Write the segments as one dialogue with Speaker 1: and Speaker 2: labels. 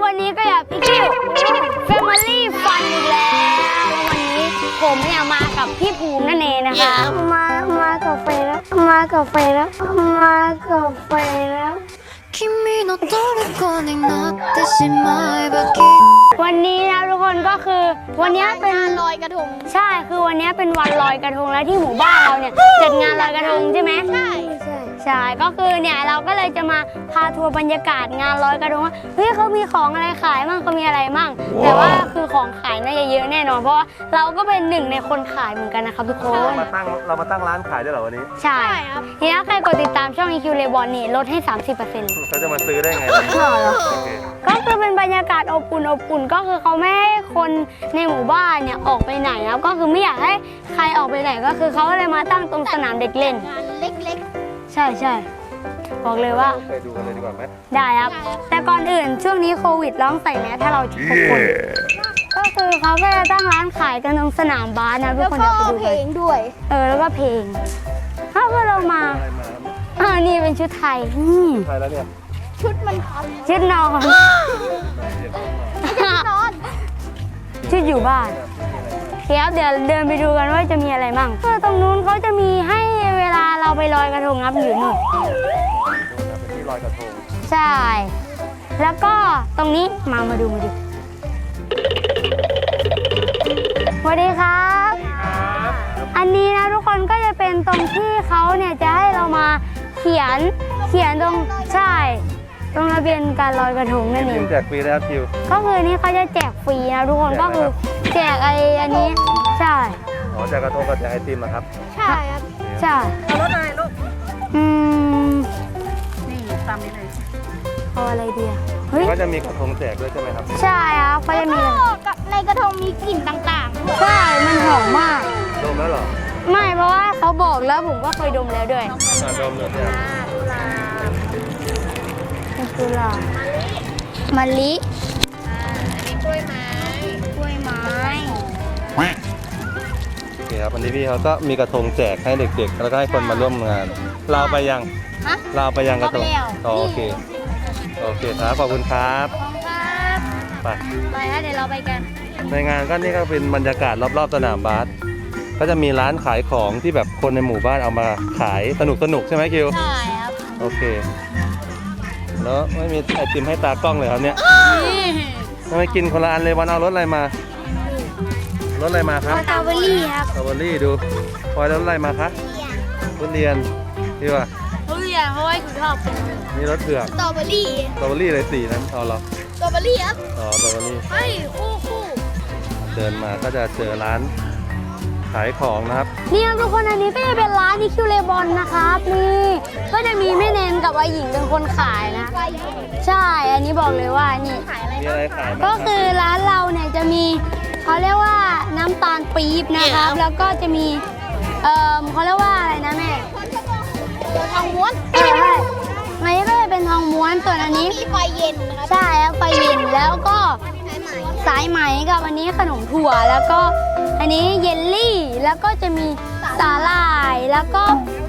Speaker 1: วันนี้ก็อยากพี่คิว Family Fun อีกแล้ววันนี้ผมเนี่ยมากับพี่ภูมินั่นเองนะคะมากับไฟแล้วมากับไฟแล้วมากับไฟแล้ว君の虜になってしまえばきっとวันนี้นะทุกคนก็คือวันนี้เป็นงานลอยกระทงใช่คือวันนี้เป็นวันลอยกระทงแล้วที่หมู่บ้านเราเนี่ยจัดงานลอยกระทงใช่ไหมใช่ก็คือเนี่ยเราก็เลยจะมาพาทัวร์บรรยากาศงานลอยกระทงว่าเฮ้ยเขามีของอะไรขายมั่งเขามีอะไรมั่งแต่ว่าคือของขายน่าจะเยอะแน่นอนเพราะว่าเราก็เป็นหนึ่งในคนขายเหมือนกันนะครับทุกคน
Speaker 2: เรามาตั้งร้านขายด้วยเหรอวันนี้
Speaker 1: ใช่ครับทีนี้ใครกดติดตามช่อง EQ Lebon นี่ลดให้ 30%
Speaker 2: เขาจะมาซื้อได้ไง
Speaker 1: ก็คือเป็นบรรยากาศอบอุ่นก็คือเขาไม่ให้คนในหมู่บ้านเนี่ยออกไปไหนครับก็คือไม่อยากให้ใครออกไปไหนก็คือเขาเลยมาตั้งตรงสนามเด็กเล่นเล็กๆใช่บอกเลยว่า
Speaker 2: ไปดูกันเลยดีกว่าไหม
Speaker 1: ได้ครับแต่ก่อนอื่นช่วงนี้โควิดร้องใส่แมสถ้าเราทุกคนก็คือเขาก็จะตั้งร้านขายกันตรงสนามบาสนะทุกคนจะไปดูเพลงด้วยแล้วก็เพลงถ้าเรามานี่เป็นชุดไทย
Speaker 2: ไทยแล้วเนี่ย
Speaker 1: ชุดนอนชุดอยู่บ้านครับเดี๋ยวเดินไปดูกันว่าจะมีอะไรมั่งตรงนู้นเขาจะมีให้เวลาเราไปลอยกระทงครับอยู่นู่น
Speaker 2: เป็นที่ลอยกระทง
Speaker 1: ใช่แล้วก็ตรงนี้มาดูสวัสดีครับอันนี้นะทุกคนก็จะเป็นตรงที่เขาเนี่ยจะให้เรามาเขียนตรงใช่ตรงระเบียงการลอยกระทงนั่นเอง
Speaker 2: แจกฟรีนะครับคิว
Speaker 1: ก็คือนี่เขาจะแจกฟรีนะทุกคนก็คือแจกอันนี้ใช่
Speaker 2: แจกกระทงกับแจกไอติมนะครับ
Speaker 1: ใช่ครับใช่
Speaker 3: เอารถอะไรลูกนี่ตามนี้เลย
Speaker 1: เอาอะไรดี
Speaker 2: ก็จะมีกระทงแจกด้วยใช่ไหมครับ
Speaker 1: ใช่ครับเขาจะมีในกระทงมีกลิ่นต่างๆใช่มันหอมมาก
Speaker 2: ดมแล้วเหรอ
Speaker 1: ไม่เพราะว่าเขาบอกแล้วผมก็เคยดมแล้วด้วย
Speaker 2: ดมเลยเนี่ย
Speaker 1: กุหลาบมะลิ
Speaker 3: อันนี้กล้วยไม้
Speaker 2: โอเคครับวันนี้พี่เขาก็มีกระทงแจกให้เด็กๆแล้วก็ให้คนมาร่วมงานเราไปยังกระทงโอเคครับขอบคุณครับ
Speaker 1: ไปเดี๋ยวเราไปกัน
Speaker 2: ในงานก็นี่ก็เป็นบรรยากาศรอบๆสนามบาสก็จะมีร้านขายของที่แบบคนในหมู่บ้านเอามาขายสนุกใช่ไหมคิว
Speaker 1: ใช่ครับ
Speaker 2: โอเคแล้วไม่มีไอติมให้ตากล้องเลยครับเนี่ยทำไมกินคนละอันเลยวันเอารถอะไรมาครับ
Speaker 1: สตรอเบอรี่ครับ
Speaker 2: สตรอเบอรี่ดูพลอยรถอะไรมาคะทุเรียนดีป่ะ
Speaker 1: ทุเรียนเพราะว่าคุณชอบ
Speaker 2: นี่รถเผือก
Speaker 1: สตรอเบอรี่
Speaker 2: เลยสีนั้นเอาเหรอ
Speaker 1: สตรอเบอรี่ครับ
Speaker 2: สตรอเบอรี่
Speaker 1: คู่
Speaker 2: เดินมาก็จะเจอร้านขายของนะครับ
Speaker 1: นี่ทุกคนอันนี้ก็จะเป็นร้านEQ Lebonนะครับนี่ก็จะมีแม่เนนกับอาหญิงเป็นคนขายนะใช่อันนี้บอกเลยว่านี่
Speaker 2: มีอะไรขาย
Speaker 1: ก็คือร้านเราเนี่ยจะมีเขาเรียกว่าน้ำตาลปี๊บนะครับแล้วก็จะมีเขาเรียกว่าอะไรนะแม่ทองม้วนอันนี้ก็จะเป็นทองม้วนส่วนอันนี้มีไฟเย็นนะครับใช่ครับไฟเย็นแล้วก็สายไหมกับอันนี้ขนมถั่วแล้วก็อันนี้เยลลี่แล้วก็จะมีสาหร่ายแล้วก็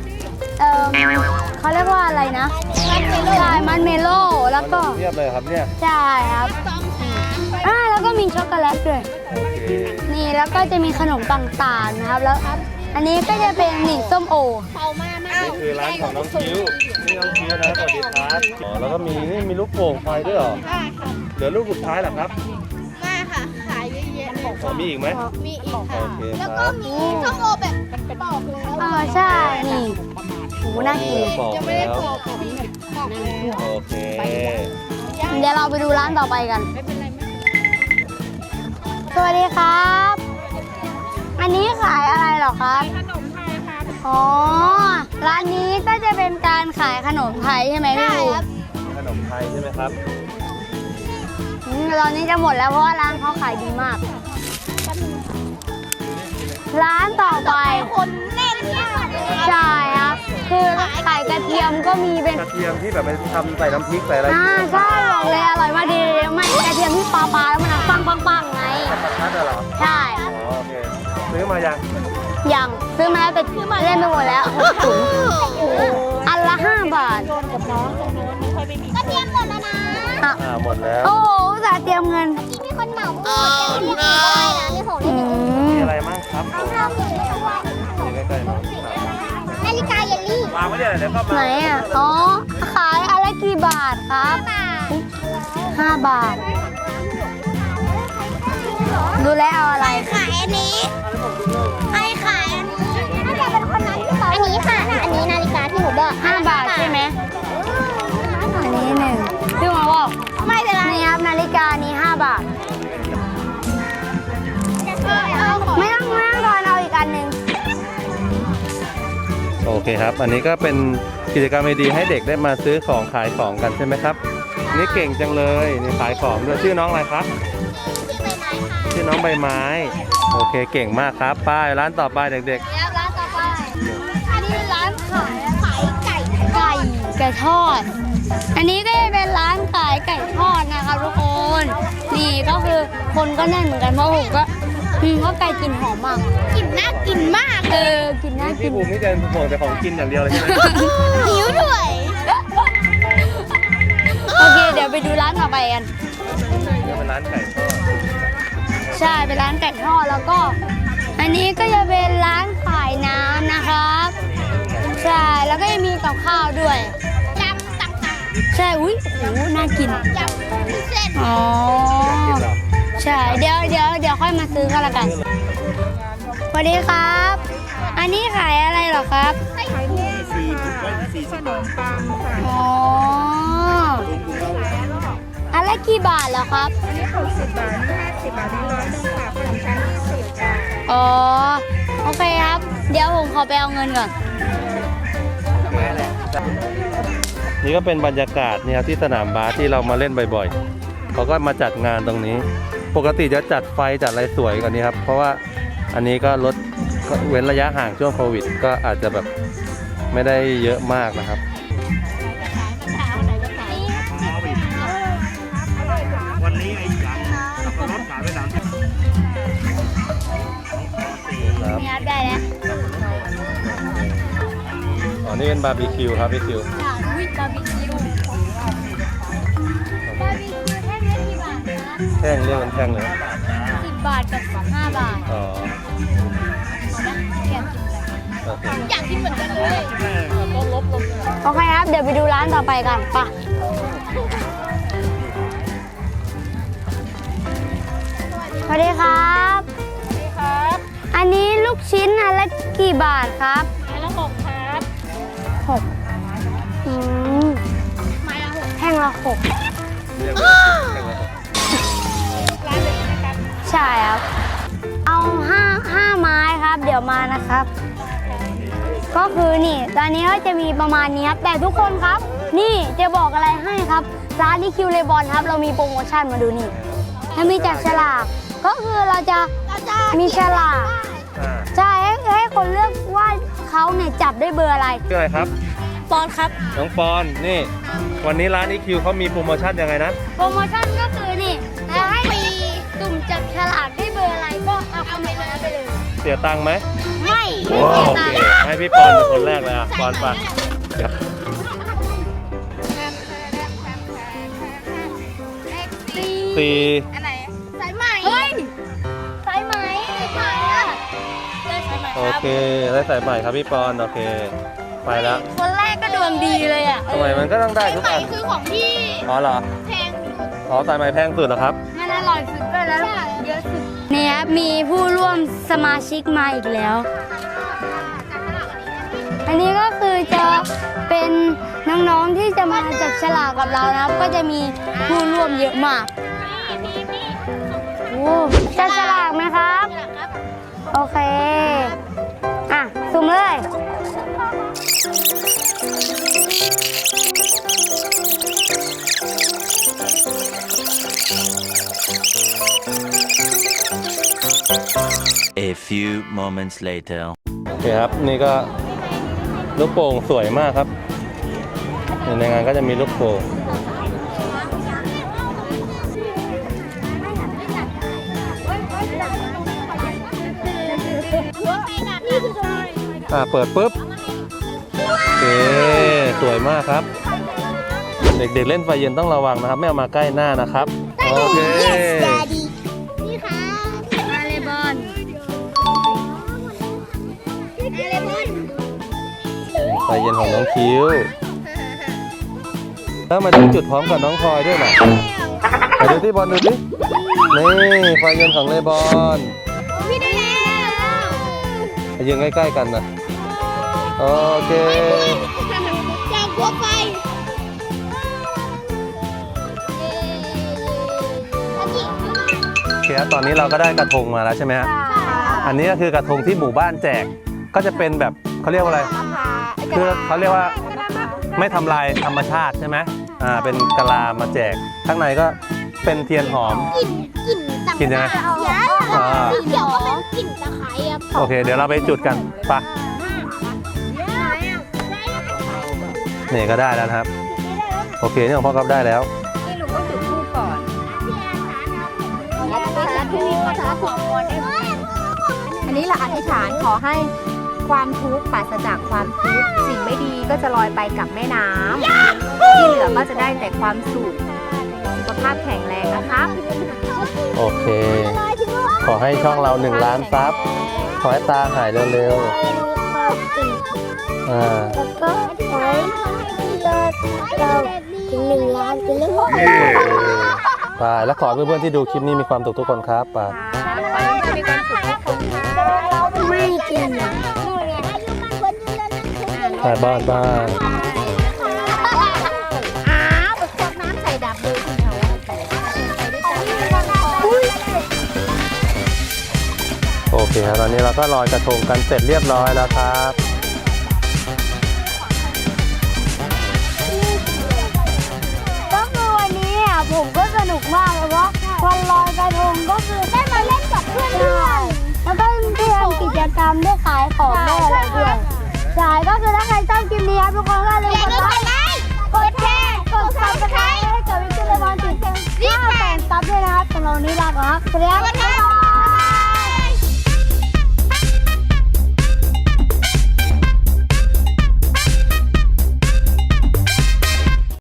Speaker 1: เขาเรียกว่าอะไรนะใช่มันเมโล่แล้วก็
Speaker 2: เทียบเลยครับเนี่ย
Speaker 1: ใช่ครับแล้วก็มีช็อกโกแลตด้วยนี่แล้วก็จะมีขนมต่างๆนะครับแล้วอันนี้ก็จะเป็นนี่ส้มโอ
Speaker 2: นี่คือร้านของน้องคิ้วนี่น้องคิ้วนะสวัสดีครับแล้วก็มีลูกโป่งไฟด้วยเหรอเหลือลูกสุดท้ายเหรอครับ
Speaker 3: ไม่ค่ะขายเยอะ
Speaker 2: ๆมีอีกไหม
Speaker 3: มีอีกค่ะ
Speaker 1: แล้วก็มีส้มโอแบบปอกแล้วใช่นี่โหน่ากิน
Speaker 3: ยังไม่ได้ปอก
Speaker 2: โอเค
Speaker 1: เดี๋ยวเราไปดูร้านต่อไปกันสวัสดีครับอันนี้ขายอะไรหรอครับ
Speaker 3: ขนมไทยครับ
Speaker 1: ร้านนี้ก็จะเป็นการขายขนมไทยใช่ไหมพี่
Speaker 2: ขนมไทยใช่ไหมครับ
Speaker 1: ตอนนี้จะหมดแล้วเพราะว่าร้านเขาขายดีมากร้านต่อไป
Speaker 3: คนแน่นมาก
Speaker 1: ใช่ครับคือขายกระเทียมก็มีเป็น
Speaker 2: กระเทียมที่แบบไปทำใส่น้ำพริกใส่อะไร
Speaker 1: ใช่บอกเลยอร่อยมากดีไม่กระเทียมที่ปลาแล้วมันปังไง
Speaker 2: นั่นเหรอ
Speaker 1: ใช่
Speaker 2: โอเคซื้อมา
Speaker 1: ยังซื้อมาแล้วแต่เล่นไปหมดแล้วอันละ5 บาท
Speaker 3: กับน้องตรงโน้นไม่ค่อยไม่มี
Speaker 1: กระเทียมหมดแล้วนะ
Speaker 2: หมดแล้ว
Speaker 1: โอ้ตส่าห์เตรียมเงิน
Speaker 3: มีคนเหมาหมดเรียกได้นะมีของ
Speaker 1: อื
Speaker 3: เล่น
Speaker 2: มี
Speaker 1: ม
Speaker 2: อะไรบ้างครับผม
Speaker 3: เราเหมือนตัว
Speaker 2: นี่ใกล้ๆหน่อย
Speaker 3: นาฬิกาเยลลี่
Speaker 2: วางไว้เดี๋ยวเดี๋ยวเข้า
Speaker 1: ไหน
Speaker 2: มา
Speaker 1: อ่ะ อ๋อ ขายอะไรกี่บาทครับ 5 บาท ดูแลเอาอะไร
Speaker 3: ขายอันนี้ไอ้ขายอันนี้น่าจะเป็นคนนั้นที่เขาอันนี้ค่ะ อันนี้นาฬิกาที่หนูบอก
Speaker 1: 5 บาทใช่ไหม อันนี้หนึ่งพี่หมอบอก
Speaker 3: ไม่เป็นไร
Speaker 1: นี่ครับนาฬิกานี้5 บาท ไม่ต้องทอนเอาอีกอันหนึ่ง
Speaker 2: โอเคครับ อันนี้ก็เป็นกิจกรรมดีๆให้เด็กได้มาซื้อของขายของกันใช่ไหมครับ นี่เก่งจังเลยนี่ขายของด้วยชื่อน้องอะไรครับ ชื่อน้องใบไม้ โอเคเก่งมากครับป้ายร้านต่อไปเด็ก
Speaker 1: แล้วร้านต่อไป อันนี้เป็นร้านขาย
Speaker 3: ไก่
Speaker 1: ไก่ทอด อันนี้ก็จะเป็นร้านขายไก่ทอดนะครับทุกคน นี่ก็คือคนก็แน่นเหมือนกันเพราะผมก็เพราะไก่กลิ่นหอมมาก
Speaker 3: กลิ่นน่ากินมาก
Speaker 1: กินน่า
Speaker 2: ๆ
Speaker 1: กิ
Speaker 2: พี่
Speaker 1: น
Speaker 2: ภูมินี่จะห่วงแต่ของกินอย่างเดียวเลยใช่ไหม
Speaker 3: หิวด้วย
Speaker 1: โอเค เดี๋ยวไปดูร้านต่อไปกัน
Speaker 2: นี่เป็นร้านไก่ทอด
Speaker 1: ใช่ เป็นร้านไก่ทอดแล้วก็ อันนี้ก็จะเป็นร้านขายน้ำนะครับ ใช่ แล้วก็จะมีกับข้าวด้วย
Speaker 3: ยำต่าง
Speaker 1: ใช่ อุ้ยโอ้โหน่ากิน
Speaker 3: ๆยำพิเศษ
Speaker 1: อ๋อ
Speaker 2: กินเหรอ
Speaker 1: ใช่ เดี๋ยวค่อยมาซื้อกันละกัน สวัสดีครับ อันนี้ขายอะไรเหรอครับ
Speaker 3: ไข่เค็มขนมปังค่ะ
Speaker 1: อ๋อ อันละกี่บาทเหรอครับ
Speaker 3: อันนี้60 บาทนี่50 บาทนี่100ค่ะขนมชั้น20ค่ะ
Speaker 1: อ๋อ โอเคครับ เดี๋ยวผมขอไปเอาเงินก่อน
Speaker 2: นี่ก็เป็นบรรยากาศเนี่ยครับที่สนามบาสที่เรามาเล่นบ่อยๆ เขาก็มาจัดงานตรงนี้ ปกติจะจัดไฟจัดอะไรสวยกว่านี้ครับ เพราะว่าอันนี้ก็ลดก็เว้นระยะห่างช่วงโควิด ก็อาจจะแบบไม่ได้เยอะมากนะครับ
Speaker 4: วันนี้ไอ้ยำสับปะรดขายไป3
Speaker 2: ครับ
Speaker 1: นี่ครับได้แล้ว
Speaker 2: อ๋อ นี่เป็นบาร์บีคิวครับพี่คิว
Speaker 1: วิบาร์บีคิว บาร์บีคิวแท่งละกี่บาทครับ
Speaker 2: แท่งเรียกเป็นแท่งเลย
Speaker 1: 10 บาทกับ5 บาท
Speaker 2: อ๋อ โอเค
Speaker 3: อยากกินเหมือนกันเลย
Speaker 1: โอเคครับ เดี๋ยวไปดูร้านต่อไปกันไปะสวัสดีครับ
Speaker 3: ครับ
Speaker 1: อันนี้ลูกชิ้นอันละกี่บาทครับ
Speaker 3: ไม้ละ6ครับ
Speaker 1: 6
Speaker 3: ไม้ละ6
Speaker 1: แท่งละ6
Speaker 2: เรียกเป็นแท่งเลยครับ
Speaker 3: ร้านเลยใช่ไหมครับ
Speaker 1: ใช่ครับ เอา5 ไม้ครับ เดี๋ยวมานะครับ ก็คือนี่ ตอนนี้ก็จะมีประมาณนี้ครับ แต่ทุกคนครับ นี่จะบอกอะไรให้ครับ ร้านที่คิวเลบอนครับ เรามีโปรโมชั่นมาดูนี่ถ้ามีจับฉลาก ก็คือเราจะมีฉลาก
Speaker 2: อ่า
Speaker 1: ใช่ให้คนเลือกว่าเขาเนี่ยจับได้เบอร์อะไร
Speaker 2: ชื่ออะไรครับ
Speaker 1: ปอนครับ
Speaker 2: น้องปอน นี่ วันนี้ร้านอีคิวเขามีโปรโมชั่นยังไงนะ
Speaker 1: โปรโมชั่นก็คือนี่ถ้าให้มีตุ่มจับฉลากได้เบอร์อะไรก็เอาคอมเมนต์นั้นไปเลย
Speaker 2: เสียตังค์ไหม
Speaker 1: ไม่เสีย
Speaker 2: โอ
Speaker 1: ตั
Speaker 2: เค
Speaker 1: งค์
Speaker 2: ให้พี่ปอนเป็นคนแรกเลยอ่ะ ปอนไปเดี๋ยว สี่
Speaker 3: อันไหนสายไหม
Speaker 1: เฮ้ยสายไหมสายอะ
Speaker 3: ได้สายไหม
Speaker 2: โอ
Speaker 3: ครับ
Speaker 2: เค ได้สายใหม่ครับพี่ปอน โอเค ไปแล้ว
Speaker 1: คนแรกก็ดวงดีเลยอ่ะ
Speaker 2: ทำไมมันก็ต้องได้
Speaker 3: สาย
Speaker 2: ทุก
Speaker 3: ไหม
Speaker 2: อัน
Speaker 3: คือของที่
Speaker 2: อ๋อเหรอ
Speaker 3: แพงสุด
Speaker 2: อ๋อสายใหม่แพงสุดเหรอครับ
Speaker 1: มันอร่อยสุดด้วยแล้วเยอะสุดนี่ครับมีผู้ร่วมสมาชิกมาอีกแล้ว อันนี้ก็คือจะเป็นน้องๆที่จะมาจับฉลากกับเรานะครับ ก็จะมีผู้ร่วมเยอะมากโอ้จับฉลากไหมครับ โอเค อ่ะ สุ่มเลย
Speaker 5: A few moments later.
Speaker 2: โอเคครับ นี่ก็ลูกโป่งสวยมากครับ ในงานก็จะมีลูกโป่งเปิดปุ๊บ โอเค สวยมากครับ เด็กๆเล่นไฟเย็นต้องระวังนะครับ ไม่เอามาใกล้หน้านะครับ
Speaker 3: แ
Speaker 2: โอเค
Speaker 3: Yes Daddy นี่ค่ะ
Speaker 1: มาเลยบอล
Speaker 3: อะไรบอล
Speaker 2: ไฟเย็นของน้องคิ้วแล้วมาถึงจุดพร้อมกับน้องพลอยด้วยนะไปดูที่บอลดูดินี่ไฟเย็นของเลบอน
Speaker 3: พี่ได้แล้ว
Speaker 2: ไปยืนใกล้ๆกันนะโอเค
Speaker 3: อยากกลัวไฟ
Speaker 2: โอเคครับตอนนี้เราก็ได้กระทงมาแล้วใช่ไหมฮะอันนี้ก็คือกระทงที่หมู่บ้านแจกก็จะเป็นแบบเขาเรียกว่าอะไรคือเขาเรียกว่าไม่ทำลายธรรมชาติใช่ไหมเป็นกะลามาแจกข้างในก็เป็นเทียนหอม
Speaker 3: กลิ่นต่าง
Speaker 2: กลิ่นยังไง
Speaker 3: สีเขียวก็เป็นกลิ่นตะไคร้ครับ
Speaker 2: โอเค เดี๋ยวเราไปจุดกันไปนี่ก็ได้แล้วนะครับโอเคนี่ของพ่อก๊อฟได้แล้ว
Speaker 1: นี่ลุงก็จุดธูปก่อนอันนี้เราอธิษฐานขอให้ความทุกข์ปราศจากความทุกข์สิ่งไม่ดีก็จะลอยไปกับแม่น้ำที่เหลือก็จะได้แต่ความสุขสุขภาพแข็งแรงนะครับ
Speaker 2: โอเค ขอให้ช่องเรา1 ล้านซับขอให้ตาหายเร็วๆ
Speaker 3: แล้วก็ขอให้เราถึง1 ล้านไปเลย
Speaker 2: ไปแล้วขอให้เพื่อนๆที่ดูคลิปนี้มีความสุขทุกคนครับไป
Speaker 3: ไม่กิน
Speaker 2: ไปบ้านบ้าน
Speaker 3: อ้าวแบบพวกน้ำใส่ดับเลยคุณเขา
Speaker 2: โอเคครับตอนนี้เราก็ลอยกระทงกันเสร็จเรียบร้อยแล้วครับ
Speaker 1: ก็คือวันนี้อ่ะผมก็สนุกมากเลยเพราะวันลอยกระทงก็คือได้มาเล่นกับเพื่อนแล้วก็ได้ทำกิจกรรมได้ขายของได้อะไรด้วยใช่ก็คือถ้าใครชอบคลิปนี้ครับทุกคนก็อย่าลืมกดไลค์กดแชร์กด Subscribe ให้กับวิกเตอร์เลมอนติด5 แสนซับด้วยนะครับสำหรับวันนี้ลาก่อนครับสวัสดีครับ